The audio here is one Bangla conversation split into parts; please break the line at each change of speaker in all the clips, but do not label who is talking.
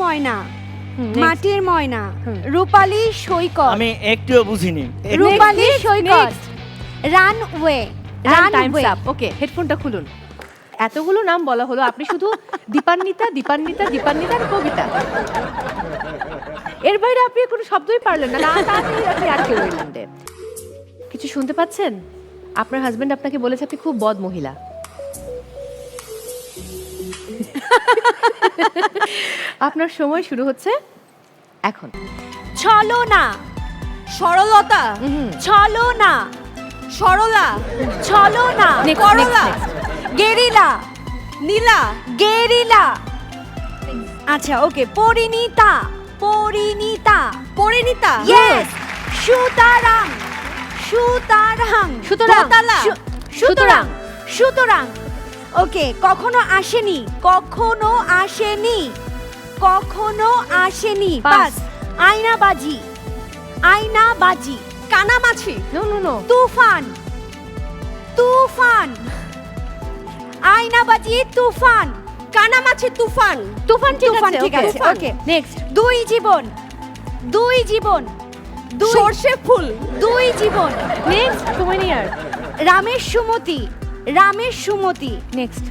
ময়না
next.
মাটির ময়না রূপালী সৈকত
আমি একটুও বুঝিনি।
Rupali Saikat
next.
Runway
time's up. Okay, হেডফোনটা খুলুন। এতগুলো নাম বলা হলো, আপনি শুধু দীপান্বিতা দীপান্বিতা দীপান্বিতা আর কবিতা, এর বাইরে আপনি কোনো শব্দই পারলেন না। তাড়াতাড়ি আপনি আটকে রইলেন রে। কিছু শুনতে পাচ্ছেন? আপনার হাজবেন্ড আপনাকে বলেছে আপনি খুব বদ মহিলা। আপনার সময় শুরু হচ্ছে এখন।
ছলনা
সরলতা,
ছলনা
সরলা,
ছলনা
Next,
করলা
next,
গেরিলা
নীলা,
গেরিলা আচ্ছা ওকে পরিণীতা পরিণীতা
পরিণীতা,
ইয়েস সুতরাং সুতরাং
সুতরাং,
দোতলা,
সুতরাং।
সুতরাং ওকে কখনো আসেনি কখনো আসেনি কখনো আসেনি
Pass.
Pass Aynabaji Aynabaji
Kanamachi,
no no no,
Toofan Toofan Aynabaji Toofan
Kanamachi Toofan,
তুফান
তুফান
ঠিক
ঠিক
আছে।
আছে ওকে
নেক্সট,
দুই জীবন দুই জীবন দুই
সর্ষে ফুল,
দুই জীবন
নেক্সট, সময় নেই আর।
রামের সুমতি রামের সুমতি
next,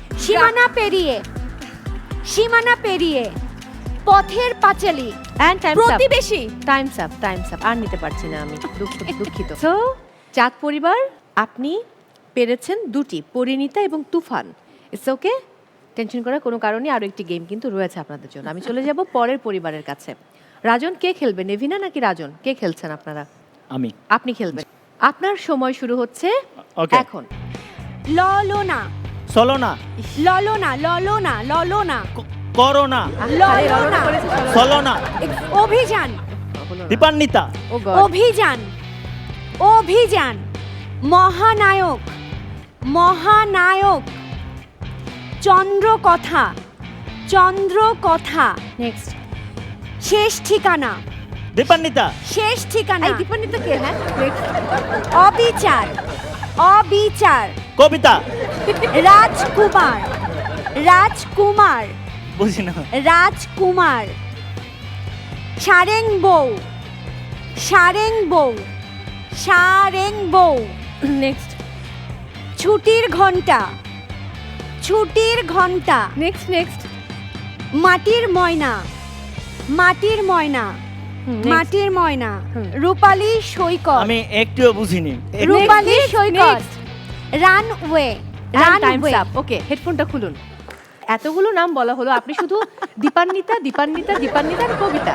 Simana Periye Pather Panchali
and time's up.
Protibeshi,
time's up. আর নিতে পারছি না আমি, দুঃখিত। সো চাঁদ পরিবার, আপনি পেরেছেন দুটি, পরিণীতা এবং তুফান। ইটস ওকে, টেনশন করার কোনো কারণে আরো একটি গেম কিন্তু রয়েছে আপনাদের জন্য। আমি চলে যাব পরের পরিবারের কাছে। রাজন, কে খেলবে? নেভিনা নাকি রাজন? কে খেলছেন আপনারা?
আমি
আপনি খেলবেন। আপনার সময় শুরু হচ্ছে
ওকে।
এখন।
ললনা
চলো না,
ললনা ললনা ললনা
করো না,
আরে,
ললনা।
রলনা করেছে, চলো।
চলো না,
অভিযান
হলো না।
Dipanwita,
oh God.
অভিযান অভিযান মহানায়ক মহানায়ক চন্দ্রকথা চন্দ্রকথা
নেক্সট,
শেষ ঠিকানা
দীপান্বিতা,
শেষ ঠিকানা
এই দীপান্বিতা কে? হ্যাঁ, নেক্সট,
অবিচার অবিচার
কবিতা,
রাজকুমার রাজকুমার
বুঝি না।
রাজকুমার সারেং বউ সারেং বউ সারেং বউ
নেক্সট,
ছুটির ঘন্টা ছুটির ঘন্টা
নেক্সট,
মাটির ময়না মাটির ময়না
next.
মাটির ময়না
হুম।
রূপালী সৈকত
আমি একটুও বুঝিনি।
Rupali
next,
Saikat
next.
Runway
time's
runway
up. Okay, হেডফোনটা খুলুন। এতগুলো নাম বলা হলো, আপনি শুধু দীপান্বিতা দীপান্বিতা দীপান্বিতা আর কবিতা,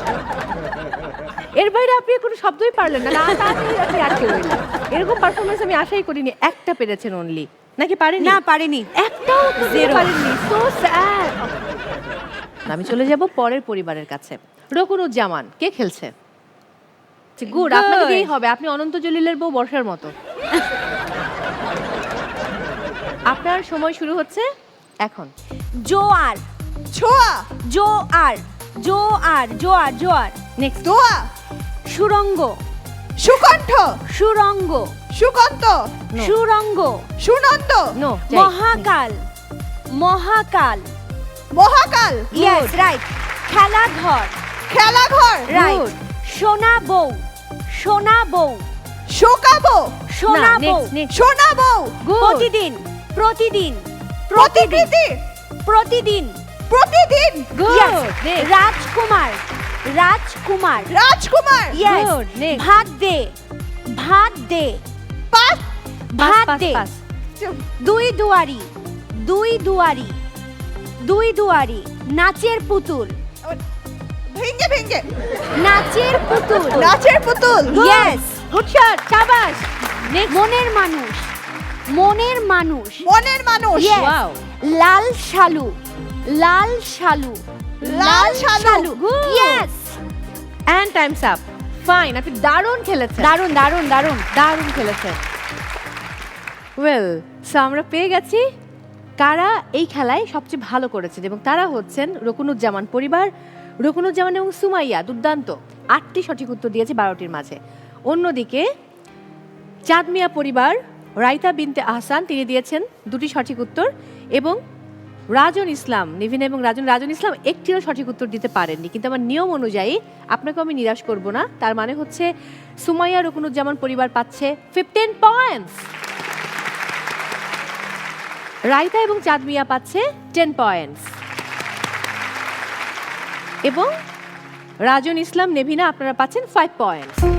এর বাইরে আপনি কোনো শব্দই পারলেন না। তাড়াতাড়ি আপনি আটকে রইলেন। এরকম পারফরমেন্স আমি আশাই করিনি। একটা পেরেছেন অনলি, নাকি পারেনি?
না পারেনি
একটাও তো
Zero.
পারেননি। So sad. আমি চলে যাব পরের পরিবারের কাছে। রকুনুজ্জামান, কে খেলছে? গুড, আপনাকে দিয়েই হবে। আপনি অনন্ত জলিলের বউ বর্ষার মতো। আপনার সময় শুরু হচ্ছে এখন।
জোয়ার
ছোয়া,
জোয়ার জোয়ার জোয়ার জোয়ার
নেক্সট,
দোয়া,
সুরঙ্গ
সুকণ্ঠ,
সুরঙ্গ
Sukanta,
No.
Surongo
Sunanda,
no,
Mahakal Mahakal
Mahakal,
yes right Khelaghar
Khelaghar,
right সোনা বউ সোনা বউ
শোকাবো,
সোনা বউ
শোনাবো,
প্রতিদিন প্রতিদিন
প্রতিকৃতি,
প্রতিদিন
Protidin,
Yes.
Next.
Rajkumar Rajkumar
Rajkumar,
yes
Good. Next.
ভাত দে ভাত দে
পাস,
ভাত দে দুই দুয়ারি দুই দুয়ারি দুই দুয়ারি নাচের পুতুল
ভেঙ্গে ভেঙ্গে,
নাচের পুতুল
নাচের পুতুল,
ইয়েস
গুড শট, শাবাশ।
মনের মানুষ মনের মানুষ
Moner Manush,
Yes.
Wow,
Lal Shalu Lal Shalu
Lal Shalu,
yes
and time's up. Fine, আপনি দারুণ খেলেছেন,
দারুন দারুন দারুন
দারুণ খেলেছেন। ওয়েল, সো আমরা পেয়ে গেছি কারা এই খেলায় সবচেয়ে ভালো করেছেন, এবং তারা হচ্ছেন রকুনুজ্জামান পরিবার। রকুনুজ্জামান এবং সুমাইয়া দুর্দান্ত 8টি সঠিক উত্তর দিয়েছে 12টির মাঝে। অন্যদিকে চাঁদ মিয়া পরিবার, রাইতা বিনতে আহসান, তিনি দিয়েছেন 2টি সঠিক উত্তর, এবং রাজন ইসলাম, নিভিন এবং রাজন ইসলাম একটিরও সঠিক উত্তর দিতে পারেননি, কিন্তু আমার নিয়ম অনুযায়ী আপনাকে আমি নিরাশ করব না। তার মানে হচ্ছে সুমাইয়া রুকনুজ্জামান পরিবার পাচ্ছে 15 পয়েন্টস, রাইতা এবং চাঁদ মিয়া পাচ্ছে 10 পয়েন্টস, এবং রাজন ইসলাম, নেভিনা আপনারা পাচ্ছেন 5 পয়েন্টস।